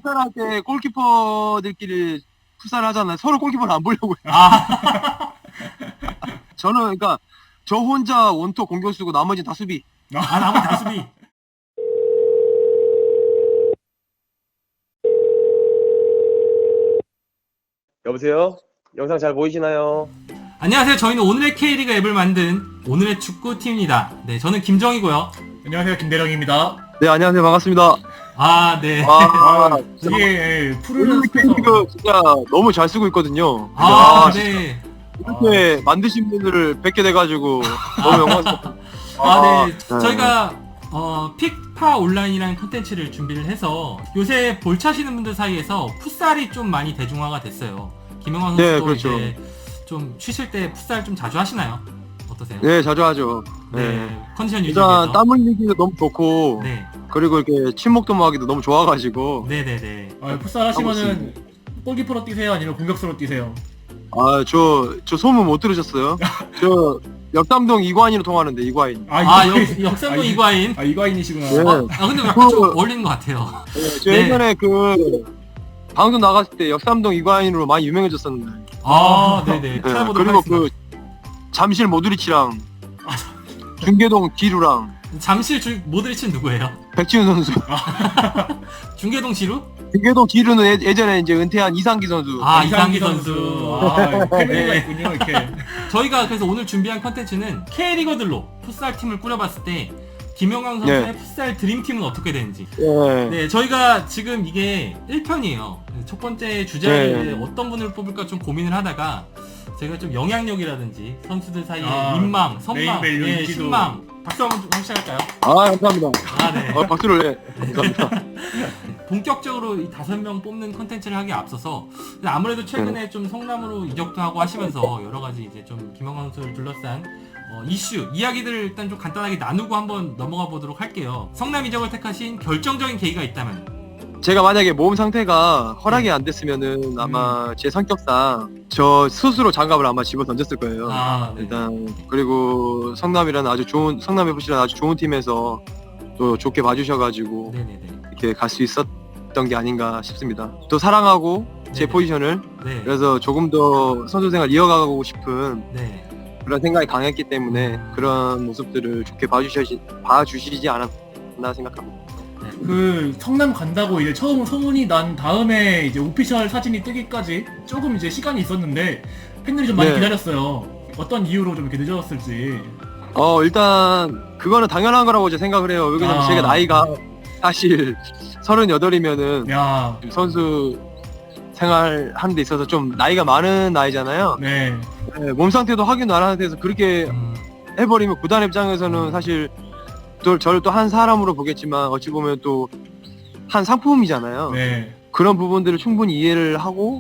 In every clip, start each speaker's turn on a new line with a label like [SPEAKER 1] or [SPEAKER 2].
[SPEAKER 1] 풋살할 때 골키퍼들끼리 풋살을 하잖아요. 서로 골키퍼를 안 보려고요.
[SPEAKER 2] 아,
[SPEAKER 1] 저는 그러니까 저 혼자 원톱 공격수고 나머지 다 수비.
[SPEAKER 2] 나머지 다 수비.
[SPEAKER 1] 여보세요? 영상 잘 보이시나요?
[SPEAKER 2] 안녕하세요. 저희는 오늘의 K리그 앱을 만든 오늘의 축구팀입니다. 네, 저는 김정이고요.
[SPEAKER 3] 안녕하세요, 김대령입니다.
[SPEAKER 1] 네, 안녕하세요. 반갑습니다.
[SPEAKER 2] 아, 네.
[SPEAKER 3] 이게 푸르른
[SPEAKER 1] 오늘
[SPEAKER 3] 숲에서
[SPEAKER 1] K리그 진짜 너무 잘 쓰고 있거든요.
[SPEAKER 2] 아,
[SPEAKER 1] 진짜
[SPEAKER 2] 네.
[SPEAKER 1] 이렇게 만드신 분들을 뵙게 돼가지고 너무 영광스럽습니다.
[SPEAKER 2] 아, 네.
[SPEAKER 1] 네.
[SPEAKER 2] 저희가 픽파 온라인이라는 콘텐츠를 준비를 해서 요새 볼 차시는 분들 사이에서 풋살이 좀 많이 대중화가 됐어요. 김영환
[SPEAKER 1] 네,
[SPEAKER 2] 선수도
[SPEAKER 1] 그렇죠.
[SPEAKER 2] 이제 좀 쉬실 때 풋살 좀 자주 하시나요? 어떠세요?
[SPEAKER 1] 네, 자주 하죠.
[SPEAKER 2] 네. 컨디션 유지를
[SPEAKER 1] 일단
[SPEAKER 2] 위해서.
[SPEAKER 1] 땀 흘리기도 너무 좋고
[SPEAKER 2] 네.
[SPEAKER 1] 그리고 이렇게 친목도 하기도 너무 좋아가지고
[SPEAKER 2] 네네네.
[SPEAKER 3] 풋살 하시면은 골키퍼로 뛰세요? 아니면 공격수로 뛰세요?
[SPEAKER 1] 저 소문 못 들으셨어요? 저 역담동 이관인으로 통하는데 이관인.
[SPEAKER 2] 역삼동
[SPEAKER 3] 이-
[SPEAKER 2] 이과인.
[SPEAKER 3] 이과인이시구나.
[SPEAKER 1] 네.
[SPEAKER 2] 근데 약간 좀
[SPEAKER 1] 그-
[SPEAKER 2] 어울리는 것 같아요.
[SPEAKER 1] 저
[SPEAKER 2] 네.
[SPEAKER 1] 예전에 방송 나갔을 때 역삼동 이관인으로 많이 유명해졌었는데.
[SPEAKER 2] 네네.
[SPEAKER 1] 네,
[SPEAKER 2] 찾아보도록
[SPEAKER 1] 그리고
[SPEAKER 2] 하겠습니다.
[SPEAKER 1] 잠실 모드리치랑 중계동 기루랑
[SPEAKER 2] 잠실 모드리치는 누구예요?
[SPEAKER 1] 백지훈 선수.
[SPEAKER 2] 중계동 지루?
[SPEAKER 1] 중계동 기루는 예전에 이제 은퇴한 이상기 선수.
[SPEAKER 2] 이상기 선수.
[SPEAKER 3] 팬미가
[SPEAKER 2] 네.
[SPEAKER 3] 있군요, 이렇게.
[SPEAKER 2] 저희가 그래서 오늘 준비한 컨텐츠는 K리거들로 풋살 팀을 꾸려봤을 때 김영광 선수의
[SPEAKER 1] 네.
[SPEAKER 2] 풋살 드림팀은 어떻게 되는지.
[SPEAKER 1] 네.
[SPEAKER 2] 네, 저희가 지금 이게 1편이에요. 첫 번째 주제를
[SPEAKER 1] 네.
[SPEAKER 2] 어떤 분을 뽑을까 좀 고민을 하다가 제가 좀 영향력이라든지 선수들 사이의 민망, 선망,
[SPEAKER 3] 네임밸류, 인지도.
[SPEAKER 2] 신망 박수 한번 좀 시작할까요?
[SPEAKER 1] 감사합니다.
[SPEAKER 2] 네.
[SPEAKER 1] 박수를 감사합니다.
[SPEAKER 2] 본격적으로 이 5명 뽑는 컨텐츠를 하기에 앞서서 아무래도 최근에 좀 성남으로 이적도 하고 하시면서 여러 가지 이제 좀 김영환 선수를 둘러싼 이슈, 이야기들을 일단 좀 간단하게 나누고 한번 넘어가 보도록 할게요. 성남 이적을 택하신 결정적인 계기가 있다면?
[SPEAKER 1] 제가 만약에 몸 상태가 허락이 안 됐으면은 아마 제 성격상 저 스스로 장갑을 아마 집어 던졌을 거예요.
[SPEAKER 2] 네.
[SPEAKER 1] 일단 그리고 성남이라는 성남 FC라는 아주 좋은 팀에서 또 좋게 봐주셔가지고
[SPEAKER 2] 네네네.
[SPEAKER 1] 이렇게 갈 수 있었던 게 아닌가 싶습니다. 또 사랑하고 제
[SPEAKER 2] 네네.
[SPEAKER 1] 포지션을
[SPEAKER 2] 네.
[SPEAKER 1] 그래서 조금 더 선수 생활 이어가고 싶은
[SPEAKER 2] 네.
[SPEAKER 1] 그런 생각이 강했기 때문에 그런 모습들을 좋게 봐주시지 않았나 생각합니다.
[SPEAKER 3] 그 성남 간다고 이제 처음 소문이 난 다음에 이제 오피셜 사진이 뜨기까지 조금 이제 시간이 있었는데 팬들이 좀 많이
[SPEAKER 1] 네.
[SPEAKER 3] 기다렸어요. 어떤 이유로 좀 이렇게 늦어졌을지.
[SPEAKER 1] 일단 그거는 당연한 거라고 제가 생각을 해요. 왜냐면 제가 나이가 사실 38이면은
[SPEAKER 3] 야,
[SPEAKER 1] 선수 생활 하는 데 있어서 좀 나이가 많은 나이잖아요.
[SPEAKER 3] 네.
[SPEAKER 1] 네, 몸 상태도 확인 안 하는 데서 그렇게 해버리면 구단 입장에서는 사실 또 저를 또 한 사람으로 보겠지만 어찌 보면 또 한 상품이잖아요.
[SPEAKER 3] 네.
[SPEAKER 1] 그런 부분들을 충분히 이해를 하고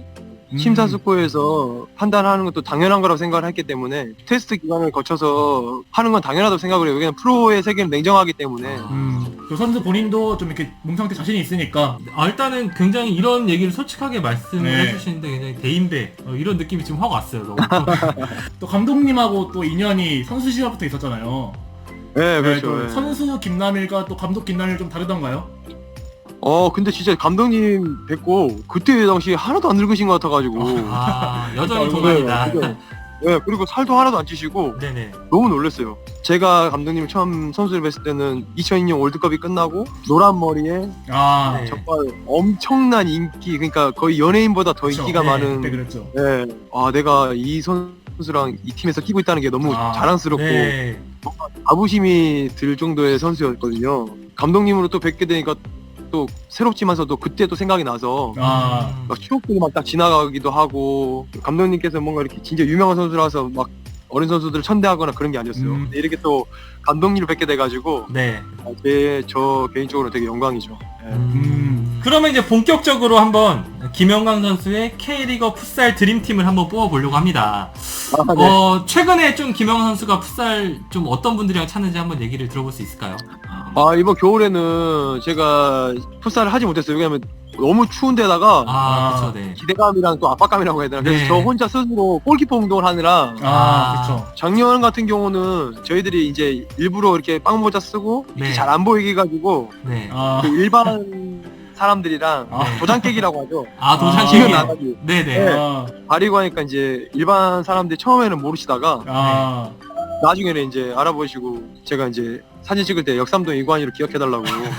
[SPEAKER 1] 심사숙고해서 판단하는 것도 당연한 거라고 생각을 했기 때문에 테스트 기간을 거쳐서 하는 건 당연하다고 생각을 해요. 왜냐면 프로의 세계는 냉정하기 때문에.
[SPEAKER 3] 그 선수 본인도 좀 이렇게 몸 상태 자신이 있으니까.
[SPEAKER 2] 일단은 굉장히 이런 얘기를 솔직하게 말씀을
[SPEAKER 3] 네.
[SPEAKER 2] 해주시는데 굉장히 대인배 이런 느낌이 지금 확 왔어요. 너무.
[SPEAKER 3] 또 감독님하고 또 인연이 선수 시절부터 있었잖아요.
[SPEAKER 1] 네,
[SPEAKER 3] 네,
[SPEAKER 1] 그렇죠.
[SPEAKER 3] 또
[SPEAKER 1] 네.
[SPEAKER 3] 선수 김남일과 또 감독 김남일 좀 다르던가요?
[SPEAKER 1] 근데 진짜 감독님 뵙고 그때 당시 하나도 안 늙으신 것 같아가지고.
[SPEAKER 2] 여전히
[SPEAKER 3] 네,
[SPEAKER 2] 동안이다.
[SPEAKER 1] 네, 그리고 살도 하나도 안 찌시고
[SPEAKER 2] 네네.
[SPEAKER 1] 너무 놀랐어요. 제가 감독님을 처음 선수를 뵀을 때는 2002년 월드컵이 끝나고 노란 머리에
[SPEAKER 2] 네.
[SPEAKER 1] 정말 엄청난 인기, 그러니까 거의 연예인보다 더
[SPEAKER 3] 그쵸.
[SPEAKER 1] 인기가
[SPEAKER 2] 네,
[SPEAKER 1] 많은.
[SPEAKER 3] 그때 그랬죠.
[SPEAKER 1] 네. 내가 이 선수랑 이 팀에서 뛰고 있다는 게 너무 자랑스럽고
[SPEAKER 2] 네.
[SPEAKER 1] 자부심이 들 정도의 선수였거든요. 감독님으로 또 뵙게 되니까 또 새롭지만서도 그때 또 생각이 나서 막 추억들이 막 딱 지나가기도 하고, 감독님께서 뭔가 이렇게 진짜 유명한 선수라서 막 어린 선수들을 천대하거나 그런 게 아니었어요. 근데 이렇게 또 감독님을 뵙게 돼가지고
[SPEAKER 2] 네.
[SPEAKER 1] 저 개인적으로 되게 영광이죠. 네.
[SPEAKER 2] 그러면 이제 본격적으로 한번 김영광 선수의 K리거 풋살 드림팀을 한번 뽑아보려고 합니다.
[SPEAKER 1] 네.
[SPEAKER 2] 최근에 좀 김영광 선수가 풋살 좀 어떤 분들이랑 찾는지 한번 얘기를 들어볼 수 있을까요?
[SPEAKER 1] 이번 겨울에는 제가 풋살을 하지 못했어요. 왜냐면 너무 추운 데다가
[SPEAKER 2] 그쵸, 네.
[SPEAKER 1] 기대감이랑 또 압박감이라고 해야 되나. 그래서
[SPEAKER 2] 네.
[SPEAKER 1] 저 혼자 스스로 골키퍼 운동을 하느라
[SPEAKER 3] 그쵸.
[SPEAKER 1] 작년 같은 경우는 저희들이 이제 일부러 이렇게 빵모자 쓰고
[SPEAKER 2] 네.
[SPEAKER 1] 잘 안 보이게 해가지고
[SPEAKER 2] 네.
[SPEAKER 1] 그 일반 사람들이랑 도장 깨기라고 하죠.
[SPEAKER 2] 아, 도장
[SPEAKER 1] 지금
[SPEAKER 2] 깨기.
[SPEAKER 1] 나가지.
[SPEAKER 2] 네네.
[SPEAKER 1] 네.
[SPEAKER 3] 아,
[SPEAKER 1] 가리고 하니까 이제 일반 사람들이 처음에는 모르시다가
[SPEAKER 3] 아,
[SPEAKER 1] 나중에는 이제 알아보시고 제가 이제 사진 찍을 때 역삼동 이관희로 기억해달라고.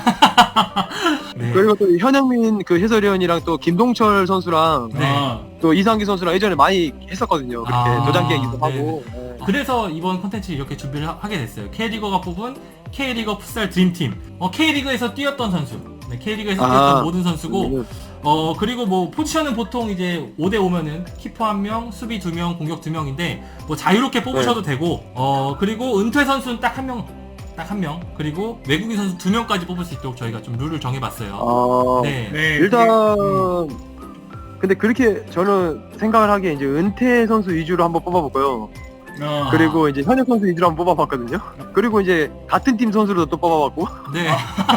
[SPEAKER 2] 네.
[SPEAKER 1] 그리고 또 현영민 그 해설위원이랑 또 김동철 선수랑
[SPEAKER 2] 네.
[SPEAKER 3] 아,
[SPEAKER 1] 또 이상기 선수랑 예전에 많이 했었거든요. 그렇게
[SPEAKER 2] 아,
[SPEAKER 1] 도장 깨기도
[SPEAKER 2] 네.
[SPEAKER 1] 하고. 네.
[SPEAKER 2] 그래서 이번 콘텐츠 이렇게 준비를 하게 됐어요. K리거가 뽑은 K리거 풋살 드림팀. K리그에서 뛰었던 선수. 네, K리그에서 뛰었던 모든 선수고, 그리고 뭐 포지션은 보통 이제 5대5면은 키퍼 1명, 수비 2명, 공격 2명인데 뭐 자유롭게 뽑으셔도 되고, 그리고 은퇴 선수는 딱 한 명, 그리고 외국인 선수 2명까지 뽑을 수 있도록 저희가 좀 룰을 정해봤어요. 네.
[SPEAKER 3] 네.
[SPEAKER 1] 일단 근데 그렇게 저는 생각을 하기에 이제 은퇴 선수 위주로 한번 뽑아볼까요? 그리고 이제 현역 선수 위주로 한번 뽑아봤거든요. 그리고 이제 같은 팀 선수로도 또 뽑아봤고.
[SPEAKER 2] 네.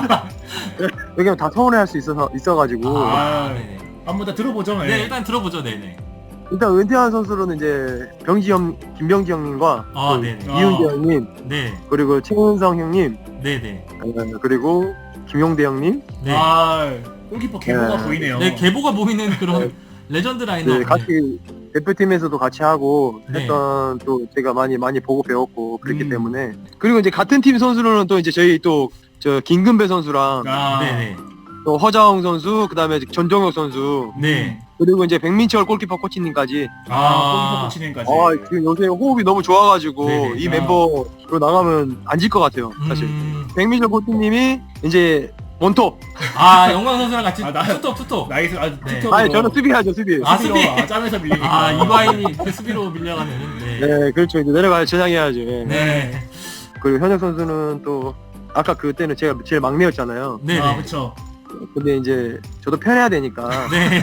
[SPEAKER 1] 왜냐면 다 서운해할 수 있어가지고.
[SPEAKER 3] 아,
[SPEAKER 2] 네네.
[SPEAKER 3] 한번 다 들어보죠.
[SPEAKER 2] 네, 일단 들어보죠. 네네.
[SPEAKER 1] 일단 은퇴한 선수로는 이제 김병지 형님과 또
[SPEAKER 2] 네네.
[SPEAKER 1] 이윤재 형님,
[SPEAKER 2] 네.
[SPEAKER 1] 그리고 최은성 형님,
[SPEAKER 2] 네네.
[SPEAKER 1] 그리고 김용대 형님.
[SPEAKER 2] 네.
[SPEAKER 3] 아, 골키퍼 개보가
[SPEAKER 1] 네.
[SPEAKER 3] 보이네요.
[SPEAKER 2] 네, 계보가 보이는 그런 레전드 라인업.
[SPEAKER 1] 네, 같이 대표팀에서도 같이 하고
[SPEAKER 2] 네.
[SPEAKER 1] 했던 또 제가 많이 보고 배웠고 그랬기
[SPEAKER 3] 음.
[SPEAKER 1] 때문에. 그리고 이제 같은 팀 선수로는 또 이제 저희 또 저 김근배 선수랑
[SPEAKER 3] 아,
[SPEAKER 2] 네네.
[SPEAKER 1] 또 허자홍 선수, 그다음에 전정혁 선수,
[SPEAKER 2] 네.
[SPEAKER 1] 그리고 이제 백민철 골키퍼 코치님까지.
[SPEAKER 3] 골키퍼 코치님까지.
[SPEAKER 1] 지금 요새 호흡이 너무 좋아가지고
[SPEAKER 2] 네네.
[SPEAKER 1] 이 멤버로 나가면 안 질 것 같아요, 사실. 백민철 코치님이 이제 원톱.
[SPEAKER 2] 영광 선수랑 같이
[SPEAKER 3] 아, 나-
[SPEAKER 2] 투톱.
[SPEAKER 3] 나이스. 아,
[SPEAKER 2] 네.
[SPEAKER 3] 투톱으로.
[SPEAKER 1] 아니 저는 수비하죠, 수비.
[SPEAKER 2] 아,
[SPEAKER 3] 수비로,
[SPEAKER 2] 수비.
[SPEAKER 3] 짬에서 밀리니까.
[SPEAKER 2] 이바인이 그 수비로 밀려가는. 네.
[SPEAKER 1] 네, 그렇죠. 이제 내려가야 전향해야죠. 예.
[SPEAKER 2] 네.
[SPEAKER 1] 그리고 현역 선수는 또 아까 그때는 제가 제일 막내였잖아요.
[SPEAKER 2] 네네.
[SPEAKER 3] 아, 그쵸.
[SPEAKER 1] 근데 이제 저도 편해야 되니까
[SPEAKER 2] 네.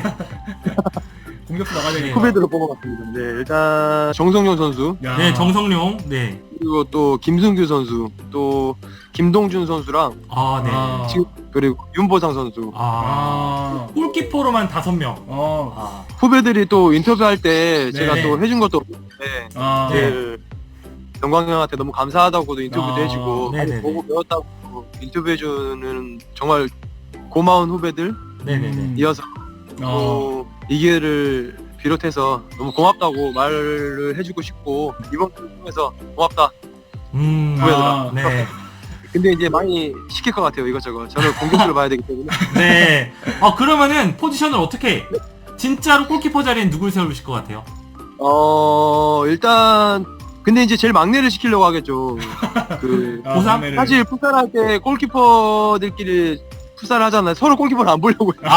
[SPEAKER 3] 공격수 나가야 되니까.
[SPEAKER 1] 후배들로 뽑아봤습니다. 네, 일단 정성용 선수,
[SPEAKER 3] 야.
[SPEAKER 2] 네, 정성룡. 네.
[SPEAKER 1] 그리고 또 김승규 선수, 또 김동준 선수랑
[SPEAKER 2] 네.
[SPEAKER 3] 아.
[SPEAKER 1] 지금 그리고 윤보상 선수.
[SPEAKER 3] 아.
[SPEAKER 2] 골키퍼로만 5명.
[SPEAKER 1] 후배들이 또 인터뷰할 때 제가
[SPEAKER 2] 네.
[SPEAKER 1] 또 해준 것도 없는데
[SPEAKER 3] 아.
[SPEAKER 1] 제일 영광 형한테 너무 감사하다고도 인터뷰도
[SPEAKER 3] 아,
[SPEAKER 1] 해주고
[SPEAKER 2] 네네네.
[SPEAKER 1] 많이 보고 배웠다고 인터뷰해주는 정말 고마운 후배들
[SPEAKER 2] 네네네.
[SPEAKER 1] 이어서 또 이 기회를 비롯해서 너무 고맙다고 말을 해주고 싶고 이번 기회를 통해서 고맙다.
[SPEAKER 3] 아.
[SPEAKER 2] 네.
[SPEAKER 1] 근데 이제 많이 시킬 것 같아요, 이것저것. 저는 공격수를 봐야 되기 때문에.
[SPEAKER 2] 네. 그러면은 포지션을 어떻게 진짜로 골키퍼 자리엔 누굴 세우실 것 같아요?
[SPEAKER 1] 일단 근데 이제 제일 막내를 시키려고 하겠죠. 그
[SPEAKER 2] 보상?
[SPEAKER 3] 막내를.
[SPEAKER 1] 사실 풋살할 때 골키퍼들끼리 풋살을 하잖아요. 서로 골키퍼를 안 보려고 해요.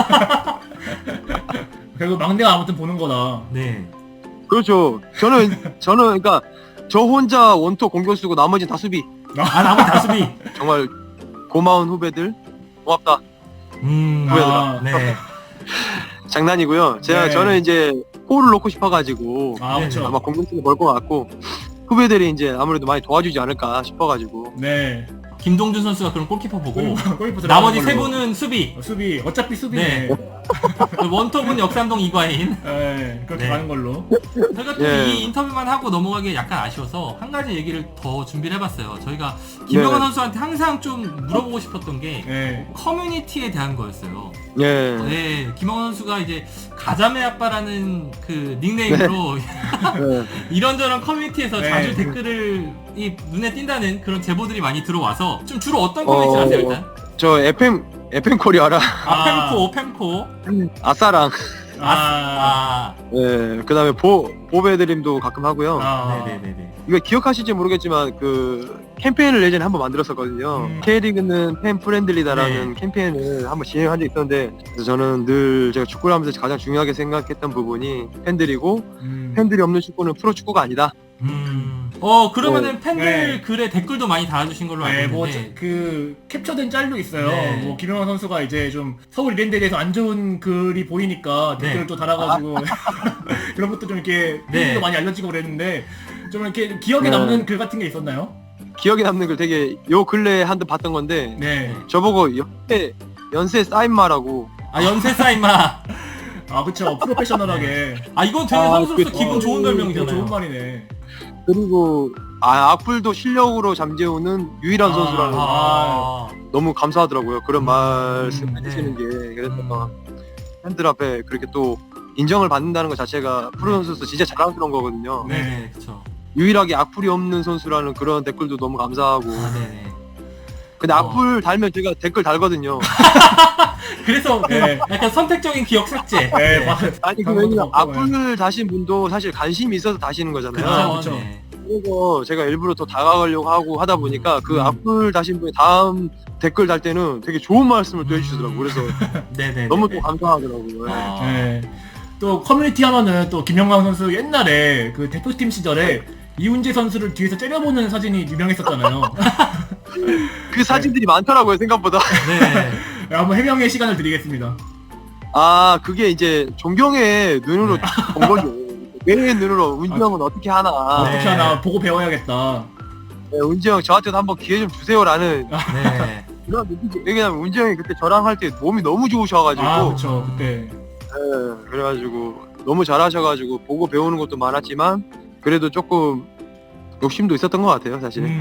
[SPEAKER 3] 결국 막내가 아무튼 보는 거다.
[SPEAKER 2] 네.
[SPEAKER 1] 그렇죠. 저는 그러니까 저 혼자 원톱 공격수고 나머지는 다 수비.
[SPEAKER 2] 나머지 다 수비.
[SPEAKER 1] 정말 고마운 후배들 고맙다.
[SPEAKER 3] 아.
[SPEAKER 2] 네.
[SPEAKER 1] 장난이고요.
[SPEAKER 3] 네.
[SPEAKER 1] 저는 이제 골을 넣고 싶어가지고
[SPEAKER 3] 아, 그렇죠.
[SPEAKER 1] 아마 공격수를 벌 것 같고 후배들이 이제 아무래도 많이 도와주지 않을까 싶어가지고.
[SPEAKER 3] 네.
[SPEAKER 2] 김동준 선수가 그럼 골키퍼 보고
[SPEAKER 3] 골키퍼
[SPEAKER 2] 나머지
[SPEAKER 3] 들어가는
[SPEAKER 2] 세
[SPEAKER 3] 걸로.
[SPEAKER 2] 분은 수비.
[SPEAKER 3] 수비. 어차피 수비네.
[SPEAKER 2] 네. 원톱은 역삼동 이과인.
[SPEAKER 3] 네. 그렇게
[SPEAKER 2] 네.
[SPEAKER 3] 가는 걸로.
[SPEAKER 2] 저희가 또
[SPEAKER 1] 예.
[SPEAKER 2] 이 인터뷰만 하고 넘어가기 약간 아쉬워서 한 가지 얘기를 더 준비를 해봤어요. 저희가 김명환
[SPEAKER 1] 네.
[SPEAKER 2] 선수한테 항상 좀 물어보고 싶었던 게
[SPEAKER 3] 네.
[SPEAKER 2] 커뮤니티에 대한 거였어요.
[SPEAKER 1] 예.
[SPEAKER 2] 네, 김명환 선수가 이제 가자매 아빠라는 그 닉네임으로
[SPEAKER 1] 네.
[SPEAKER 2] 이런저런 커뮤니티에서
[SPEAKER 3] 네.
[SPEAKER 2] 자주 댓글을 눈에 띈다는 그런 제보들이 많이 들어와서 좀 주로 어떤 커뮤니티 하세요 일단?
[SPEAKER 1] 저 FM 코리아라
[SPEAKER 2] fem코.
[SPEAKER 1] 아싸랑 예, 그다음에 보배드림도 가끔 하고요.
[SPEAKER 2] 네네네네.
[SPEAKER 1] 이거 기억하실지 모르겠지만 그 캠페인을 예전에 한번 만들었었거든요. K리그는 팬 프렌들리다라는 캠페인을 한번 진행한 적이 있었는데 그래서 저는 늘 제가 축구를 하면서 가장 중요하게 생각했던 부분이 팬들이고 팬들이 없는 축구는 프로축구가 아니다.
[SPEAKER 2] 그러면은 팬들
[SPEAKER 3] 네.
[SPEAKER 2] 글에 댓글도 많이 달아주신 걸로 알고
[SPEAKER 3] 네,
[SPEAKER 2] 있는데
[SPEAKER 3] 뭐 그 캡처된 짤도 있어요.
[SPEAKER 2] 네.
[SPEAKER 3] 뭐 김영환 선수가 이제 좀 서울 이랜드에 대해서 안 좋은 글이 보이니까
[SPEAKER 2] 네.
[SPEAKER 3] 댓글을 또 달아가지고 그런 것도 좀 이렇게
[SPEAKER 2] 네.
[SPEAKER 3] 팬들도 많이 알려지고 그랬는데 좀 이렇게 기억에
[SPEAKER 1] 네.
[SPEAKER 3] 남는 글 같은 게 있었나요?
[SPEAKER 1] 기억에 남는 걸 되게 요 근래에 한번 봤던 건데
[SPEAKER 3] 네.
[SPEAKER 1] 저보고 연세 사인마라고.
[SPEAKER 2] 연세 사인마.
[SPEAKER 3] 아 그쵸 프로페셔널하게.
[SPEAKER 2] 이건 되게 선수로서 기분 좋은
[SPEAKER 3] 되게
[SPEAKER 2] 별명이잖아요.
[SPEAKER 3] 좋은 말이네.
[SPEAKER 1] 그리고 악플도 실력으로 잠재우는 유일한 선수라는 거 너무 감사하더라고요. 그런 말씀 해주시는 게. 그래서 팬들 앞에 그렇게 또 인정을 받는다는 것 자체가 프로 선수로서 진짜 자랑스러운 거거든요.
[SPEAKER 2] 네, 그렇죠.
[SPEAKER 1] 유일하게 악플이 없는 선수라는 그런 댓글도 너무 감사하고.
[SPEAKER 2] 네네.
[SPEAKER 1] 근데 악플 달면 제가 댓글 달거든요.
[SPEAKER 2] 그래서
[SPEAKER 3] 네.
[SPEAKER 2] 약간 선택적인 기억 삭제.
[SPEAKER 3] 네, 맞아요.
[SPEAKER 1] 아니 그 왜냐면 악플을 다신 분도 사실 관심이 있어서 다시는 거잖아요.
[SPEAKER 2] 그렇죠.
[SPEAKER 3] 네.
[SPEAKER 1] 그래서 제가 일부러 더 다가가려고 하고 하다 보니까 그 악플 다신 분이 다음 댓글 달 때는 되게 좋은 말씀을 또 해주시더라고요. 그래서
[SPEAKER 2] 네네.
[SPEAKER 1] 너무 또 감사하더라고요.
[SPEAKER 3] 네. 또 커뮤니티 하면은 또 김영광 선수 옛날에 그 대표팀 시절에 이훈재 선수를 뒤에서 째려보는 사진이 유명했었잖아요.
[SPEAKER 1] 그 사진들이 많더라고요, 생각보다.
[SPEAKER 2] 네.
[SPEAKER 3] 한번 해명의 시간을 드리겠습니다.
[SPEAKER 1] 아, 그게 이제 존경의 눈으로 본 거죠. 왜 눈으로 운지 형은 어떻게 하나.
[SPEAKER 3] 어떻게 하나 보고 배워야겠다.
[SPEAKER 1] 네, 운지 형 저한테도 한번 기회 좀 주세요라는
[SPEAKER 2] 네.
[SPEAKER 1] 그런 느낌이. 왜냐면 운지 형이 그때 저랑 할 때 몸이 너무 좋으셔가지고.
[SPEAKER 3] 그렇죠. 그때.
[SPEAKER 1] 네, 그래가지고 너무 잘하셔가지고 보고 배우는 것도 많았지만 그래도 조금 욕심도 있었던 것 같아요, 사실은.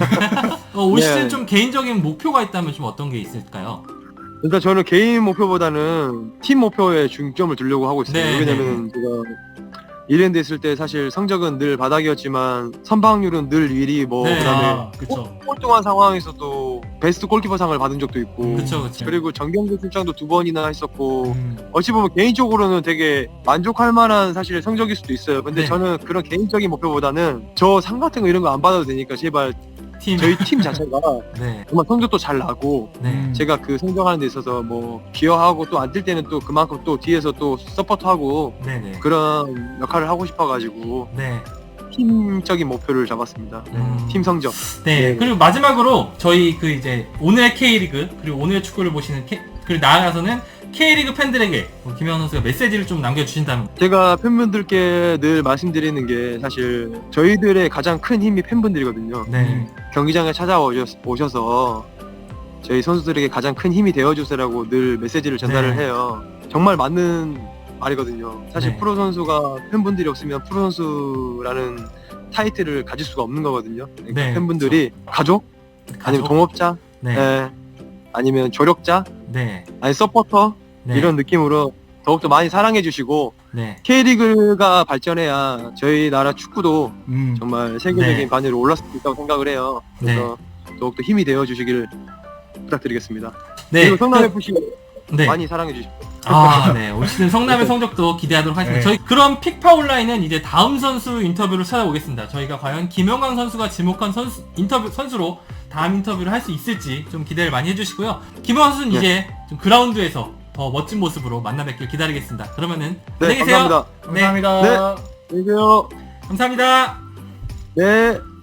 [SPEAKER 2] 올 시즌
[SPEAKER 1] 네.
[SPEAKER 2] 좀 개인적인 목표가 있다면 좀 어떤 게 있을까요?
[SPEAKER 1] 일단 저는 개인 목표보다는 팀 목표에 중점을 두려고 하고 있어요.
[SPEAKER 2] 네,
[SPEAKER 1] 왜냐면 제가 이랜드 있을 때 사실 성적은 늘 바닥이었지만 선방률은 늘 1위 뭐
[SPEAKER 2] 네.
[SPEAKER 1] 그다음에
[SPEAKER 3] 그쵸.
[SPEAKER 1] 꼴등한 상황에서도 베스트 골키퍼상을 받은 적도 있고
[SPEAKER 2] 그쵸.
[SPEAKER 1] 그리고 정경기 출장도 2번이나 했었고 어찌 보면 개인적으로는 되게 만족할 만한 사실 성적일 수도 있어요. 근데
[SPEAKER 2] 네.
[SPEAKER 1] 저는 그런 개인적인 목표보다는 저 상 같은 거 이런 거 안 받아도 되니까 제발
[SPEAKER 2] 팀.
[SPEAKER 1] 저희 팀 자체가
[SPEAKER 2] 네.
[SPEAKER 1] 정말 성적도 잘 나고
[SPEAKER 2] 네.
[SPEAKER 1] 제가 그 성장하는 데 있어서 뭐 기여하고 또 안 뛸 때는 또 그만큼 또 뒤에서 또 서포트하고
[SPEAKER 2] 네네.
[SPEAKER 1] 그런 역할을 하고 싶어가지고
[SPEAKER 2] 네.
[SPEAKER 1] 팀적인 목표를 잡았습니다. 팀 성적.
[SPEAKER 2] 네.
[SPEAKER 1] 네.
[SPEAKER 2] 그리고 마지막으로 저희 그 이제 오늘의 K리그 그리고 오늘의 축구를 보시는 그리고 나아가서는 K리그 팬들에게 김영환 선수가 메시지를 좀 남겨주신다면.
[SPEAKER 1] 제가 팬분들께 늘 말씀드리는 게 사실 저희들의 가장 큰 힘이 팬분들이거든요.
[SPEAKER 2] 네.
[SPEAKER 1] 경기장에 찾아오셔서 저희 선수들에게 가장 큰 힘이 되어주세요라고 늘 메시지를 전달을
[SPEAKER 2] 네.
[SPEAKER 1] 해요. 정말 맞는 말이거든요. 사실
[SPEAKER 2] 네.
[SPEAKER 1] 프로 선수가 팬분들이 없으면 프로 선수라는 타이틀을 가질 수가 없는 거거든요. 그러니까
[SPEAKER 2] 네,
[SPEAKER 1] 팬분들이 가족? 아니면
[SPEAKER 2] 가족?
[SPEAKER 1] 동업자?
[SPEAKER 2] 네.
[SPEAKER 1] 예, 아니면 조력자?
[SPEAKER 2] 네.
[SPEAKER 1] 아니 서포터?
[SPEAKER 2] 네.
[SPEAKER 1] 이런 느낌으로 더욱더 많이 사랑해 주시고
[SPEAKER 2] 네.
[SPEAKER 1] K리그가 발전해야 저희 나라 축구도
[SPEAKER 3] 음.
[SPEAKER 1] 정말 세계적인
[SPEAKER 2] 네.
[SPEAKER 1] 반열에 올랐을 수 있다고 생각을 해요. 그래서 더욱더 힘이 되어 주시길 부탁드리겠습니다.
[SPEAKER 2] 네.
[SPEAKER 1] 그리고 성남 FC
[SPEAKER 2] 네.
[SPEAKER 1] 많이 사랑해 주십시오.
[SPEAKER 2] 네. 올 시즌 성남의 성적도 기대하도록 하겠습니다.
[SPEAKER 3] 네.
[SPEAKER 2] 저희 그럼 픽파 온라인은 이제 다음 선수 인터뷰를 찾아오겠습니다. 저희가 과연 김영광 선수가 지목한 선수로 다음 인터뷰를 할 수 있을지 좀 기대를 많이 해주시고요. 김영광 선수는
[SPEAKER 1] 네.
[SPEAKER 2] 이제 좀 그라운드에서 더 멋진 모습으로 만나 뵙길 기다리겠습니다. 그러면은
[SPEAKER 1] 네,
[SPEAKER 2] 안녕히 계세요.
[SPEAKER 1] 감사합니다.
[SPEAKER 3] 감사합니다.
[SPEAKER 1] 네. 안녕히 계세요.
[SPEAKER 2] 감사합니다.
[SPEAKER 1] 네.